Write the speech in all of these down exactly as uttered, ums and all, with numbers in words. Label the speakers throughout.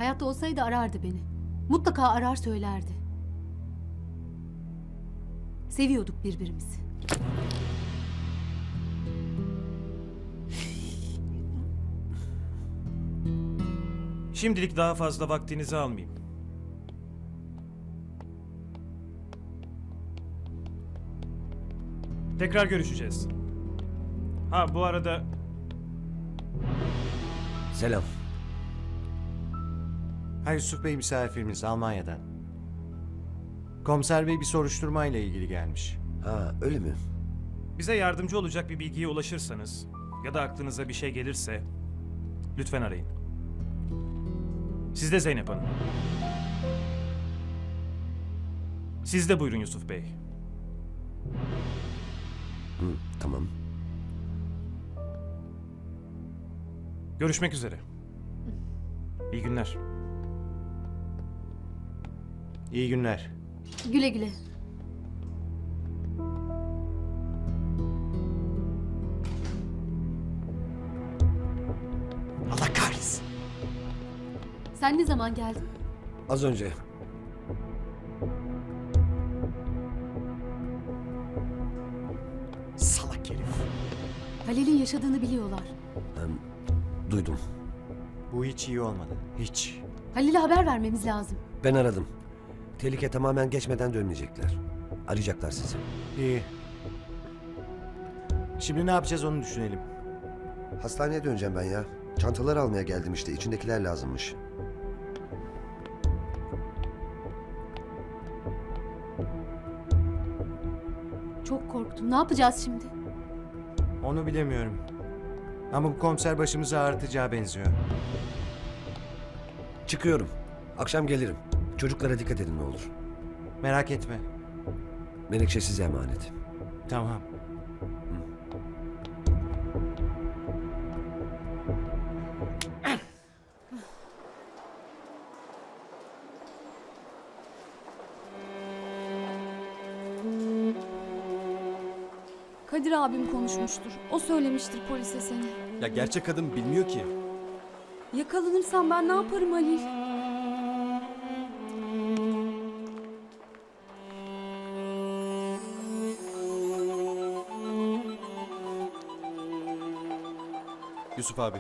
Speaker 1: Hayatta olsaydı arardı beni. Mutlaka arar söylerdi. Seviyorduk birbirimizi.
Speaker 2: Şimdilik daha fazla vaktinizi almayayım. Tekrar görüşeceğiz. Ha bu arada
Speaker 3: Selam.
Speaker 4: Ha Yusuf Bey misafirimiz Almanya'dan. Komiser Bey bir soruşturma ile ilgili gelmiş.
Speaker 3: Ha öyle mi?
Speaker 2: bize yardımcı olacak bir bilgiye ulaşırsanız ya da aklınıza bir şey gelirse lütfen arayın. Siz de Zeynep Hanım. Siz de buyurun Yusuf Bey.
Speaker 3: Hı, tamam.
Speaker 2: Görüşmek üzere. İyi günler.
Speaker 4: İyi günler.
Speaker 1: Güle güle.
Speaker 4: Allah kahretsin.
Speaker 1: Sen ne zaman geldin?
Speaker 3: Az önce.
Speaker 4: Salak herif.
Speaker 1: Halil'in yaşadığını biliyorlar.
Speaker 3: Ben duydum.
Speaker 4: Bu hiç iyi olmadı. Hiç.
Speaker 1: Halil'e haber vermemiz lazım.
Speaker 3: Ben aradım. Tehlike tamamen geçmeden dönmeyecekler. Arayacaklar sizi.
Speaker 4: İyi. Şimdi ne yapacağız onu düşünelim.
Speaker 3: Hastaneye döneceğim ben ya. Çantaları almaya geldim işte. İçindekiler lazımmış.
Speaker 1: Çok korktum. Ne yapacağız şimdi?
Speaker 4: Onu bilemiyorum. Ama bu komiser başımızı ağrıtacağı benziyor.
Speaker 3: Çıkıyorum. Akşam gelirim. Çocuklara dikkat edin ne olur.
Speaker 4: Merak etme.
Speaker 3: Menekşe size emanet.
Speaker 4: Tamam.
Speaker 5: Kadir abim konuşmuştur. O söylemiştir polise seni.
Speaker 6: Ya gerçek kadın bilmiyor ki.
Speaker 5: Yakalanırsam ben ne yaparım Halil?
Speaker 6: Yusuf abi.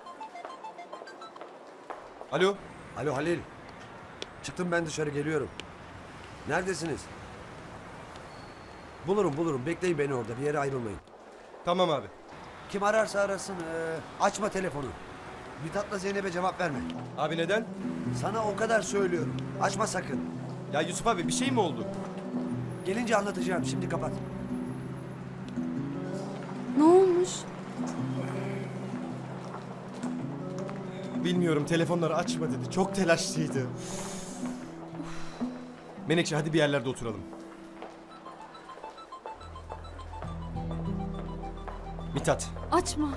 Speaker 6: Alo.
Speaker 3: Alo Halil. Çıktım ben dışarı geliyorum. Neredesiniz? Bulurum bulurum. Bekleyin beni orada. Bir yere ayrılmayın.
Speaker 6: Tamam abi.
Speaker 3: Kim ararsa arasın. ee, açma telefonu. Mithat'la Zeynep'e cevap verme.
Speaker 6: Abi neden?
Speaker 3: Sana o kadar söylüyorum. Açma sakın.
Speaker 6: Ya Yusuf abi bir şey mi oldu?
Speaker 3: Gelince anlatacağım. Şimdi kapat.
Speaker 5: Ne olmuş?
Speaker 6: Bilmiyorum, telefonları açma dedi. Çok telaşlıydı. Menekşe hadi bir yerlerde oturalım. Mithat.
Speaker 5: Açma.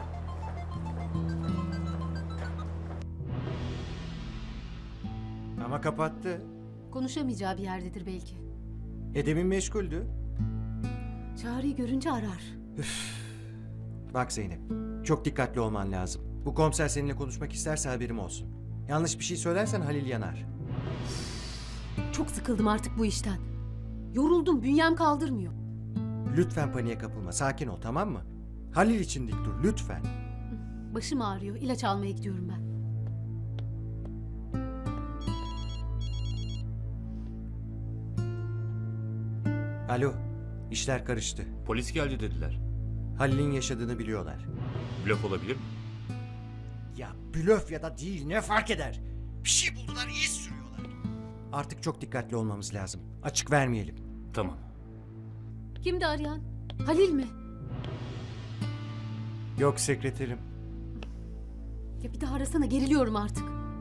Speaker 4: Ama kapattı.
Speaker 1: Konuşamayacağı bir yerdedir belki.
Speaker 4: E demin meşguldü.
Speaker 1: Çağrı'yı görünce arar.
Speaker 4: Bak Zeynep, çok dikkatli olman lazım. Bu komiser seninle konuşmak isterse haberim olsun. Yanlış bir şey söylersen Halil yanar.
Speaker 1: Çok sıkıldım artık bu işten. Yoruldum, bünyem kaldırmıyor.
Speaker 4: Lütfen paniğe kapılma, sakin ol tamam mı? Halil için dik dur, lütfen.
Speaker 1: Başım ağrıyor, ilaç almaya gidiyorum ben.
Speaker 4: Alo, işler karıştı.
Speaker 7: Polis geldi dediler.
Speaker 4: Halil'in yaşadığını biliyorlar.
Speaker 7: Blöf olabilir mi?
Speaker 4: Ya blöf ya da değil ne fark eder? Bir şey buldular, iz sürüyorlar. Artık çok dikkatli olmamız lazım. Açık vermeyelim.
Speaker 7: Tamam.
Speaker 1: Kimdi arayan? Halil mi?
Speaker 4: Yok sekreterim.
Speaker 1: Ya bir daha arasana, geriliyorum artık.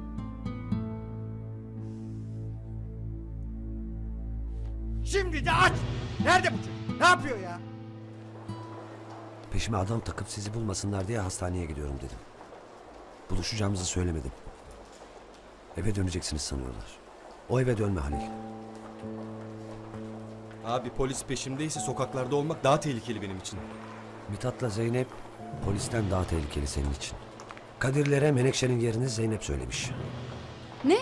Speaker 4: Şimdi de aç! Nerede bu çocuk? Ne yapıyor ya?
Speaker 3: Peşime adam takıp sizi bulmasınlar diye hastaneye gidiyorum dedim. Buluşacağımızı söylemedim. Eve döneceksiniz sanıyorlar. O eve dönme Halil.
Speaker 6: Abi polis peşimdeyse sokaklarda olmak daha tehlikeli benim için.
Speaker 3: Mithat'la Zeynep polisten daha tehlikeli senin için. Kadirlere Menekşe'nin yerini Zeynep söylemiş.
Speaker 5: Ne?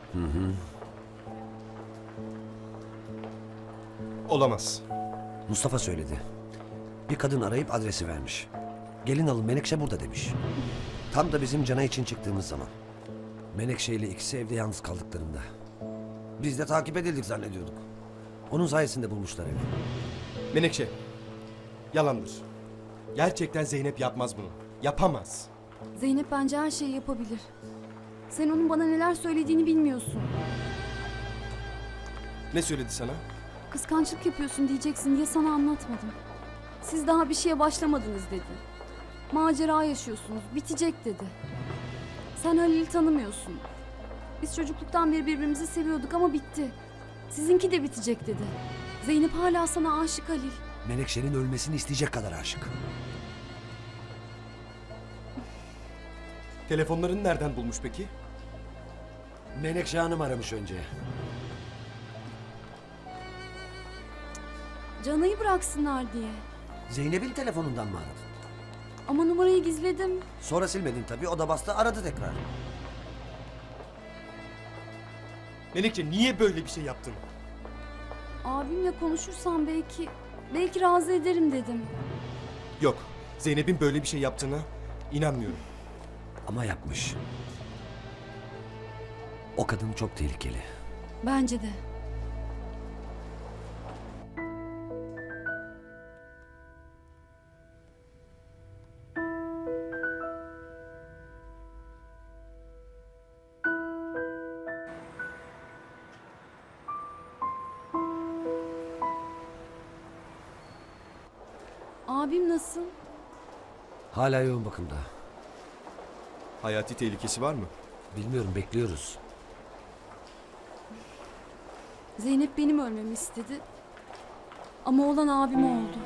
Speaker 6: Olamaz.
Speaker 3: Mustafa söyledi. Bir kadın arayıp adresi vermiş. Gelin alın Menekşe burada demiş. Tam da bizim Cana için çıktığımız zaman. Menekşe ile ikisi evde yalnız kaldıklarında. Biz de takip edildik zannediyorduk. Onun sayesinde bulmuşlar evi.
Speaker 6: Menekşe. Yalandır. Gerçekten Zeynep yapmaz bunu. Yapamaz.
Speaker 5: Zeynep bence her şeyi yapabilir. Sen onun bana neler söylediğini bilmiyorsun.
Speaker 6: Ne söyledi sana?
Speaker 5: Kıskançlık yapıyorsun diyeceksin diye sana anlatmadım. Siz daha bir şeye başlamadınız dedi. Macera yaşıyorsunuz, bitecek dedi. Sen Halil'i tanımıyorsun. Biz çocukluktan beri birbirimizi seviyorduk ama bitti. Sizinki de bitecek dedi. Zeynep hala sana aşık Halil.
Speaker 3: Menekşe'nin ölmesini isteyecek kadar aşık.
Speaker 6: Telefonlarını nereden bulmuş peki?
Speaker 3: Menekşe Hanım aramış önce.
Speaker 5: Canayı bıraksınlar diye.
Speaker 3: Zeynep'in telefonundan mı aradın?
Speaker 5: Ama numarayı gizledim.
Speaker 3: Sonra silmedin tabii. O da bastı aradı tekrar.
Speaker 6: Menekşe niye böyle bir şey yaptın?
Speaker 5: Abimle konuşursam belki, belki razı ederim dedim.
Speaker 6: Yok. Zeynep'in böyle bir şey yaptığına inanmıyorum.
Speaker 3: Ama yapmış. O kadın çok tehlikeli.
Speaker 5: Bence de. Abim nasıl?
Speaker 3: Hala yoğun bakımda.
Speaker 6: Hayati tehlikesi var mı?
Speaker 3: Bilmiyorum, bekliyoruz.
Speaker 5: Zeynep benim ölmemi istedi. Ama olan abim oldu.